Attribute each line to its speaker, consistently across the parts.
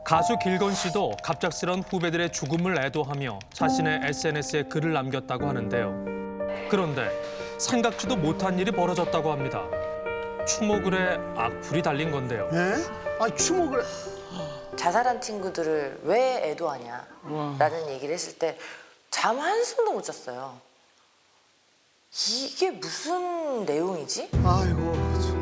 Speaker 1: 가수 길건 씨도 갑작스런 후배들의 죽음을 애도하며 자신의 SNS에 글을 남겼다고 하는데요. 그런데 생각지도 못한 일이 벌어졌다고 합니다. 추모글에 악플이 달린 건데요.
Speaker 2: 예? 아 추모를
Speaker 3: 자살한 친구들을 왜 애도하냐 라는 얘기를 했을 때 잠 한숨도 못 잤어요. 이게 무슨 내용이지?
Speaker 2: 아이고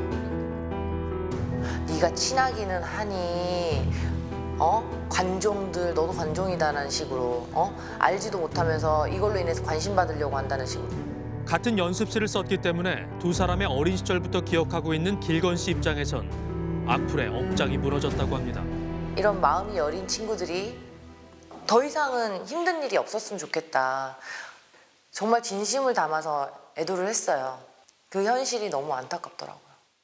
Speaker 2: 참.
Speaker 3: 네가 친하기는 하니 관종들 너도 관종이다라는 식으로 알지도 못하면서 이걸로 인해서 관심 받으려고 한다는 식으로.
Speaker 1: 같은 연습실을 썼기 때문에 두 사람의 어린 시절부터 기억하고 있는 길건 씨 입장에선 악플에 억장이 무너졌다고 합니다.
Speaker 3: 이런 마음이 여린 친구들이 더 이상은 힘든 일이 없었으면 좋겠다. 정말 진심을 담아서 애도를 했어요. 그 현실이 너무 안타깝더라고요.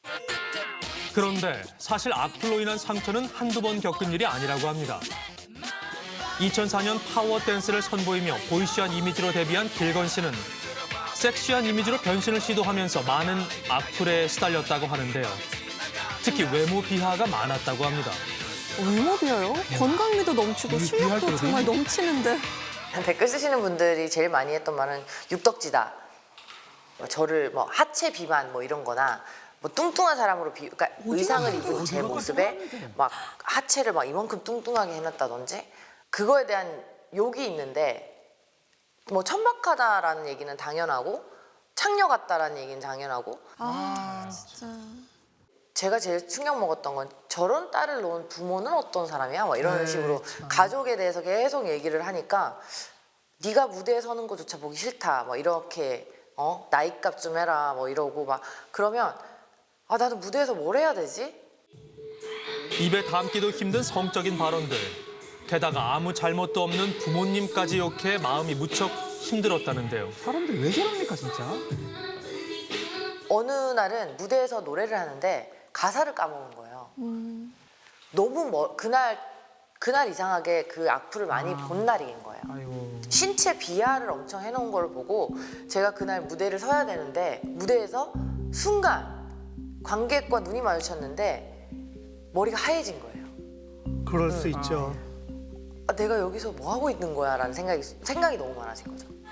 Speaker 1: 그런데 사실 악플로 인한 상처는 한두 번 겪은 일이 아니라고 합니다. 2004년 파워 댄스를 선보이며 보이시한 이미지로 데뷔한 길건 씨는 섹시한 이미지로 변신을 시도하면서 많은 악플에 시달렸다고 하는데요. 특히 외모 비하가 많았다고 합니다.
Speaker 4: 외모 비하요? 건강미도 넘치고 실력도 정말 넘치는데.
Speaker 3: 댓글 쓰시는 분들이 제일 많이 했던 말은 육덕지다. 저를 뭐 하체 비만 뭐 이런 거나 뭐 뚱뚱한 사람으로 그러니까 의상을 입은 제 모습에 막 하체를 막 이만큼 뚱뚱하게 해놨다든지 그거에 대한 욕이 있는데 뭐 천박하다라는 얘기는 당연하고 창녀 같다라는 얘기는 당연하고
Speaker 4: 아, 진짜.
Speaker 3: 제가 제일 충격 먹었던 건 저런 딸을 놓은 부모는 어떤 사람이야? 뭐 이런 식으로 가족에 대해서 계속 얘기를 하니까 네가 무대에 서는 거조차 보기 싫다. 뭐 이렇게 나이값 좀 해라. 뭐 이러고 막 그러면 아 나는 무대에서 뭘 해야 되지?
Speaker 1: 입에 담기도 힘든 성적인 발언들. 게다가 아무 잘못도 없는 부모님까지 욕해 마음이 무척 힘들었다는데요.
Speaker 2: 사람들이 왜 저럽니까 진짜?
Speaker 3: 어느 날은 무대에서 노래를 하는데 가사를 까먹은 거예요. 너무 그날 이상하게 그 악플을 많이 본 날인 거예요.
Speaker 2: 아이고.
Speaker 3: 신체 비하를 엄청 해놓은 걸 보고 제가 그날 무대를 서야 되는데 무대에서 순간 관객과 눈이 마주쳤는데 머리가 하얘진 거예요.
Speaker 2: 그럴 수 있죠.
Speaker 3: 아, 내가 여기서 뭐 하고 있는 거야 라는 생각이 너무 많아진 거죠.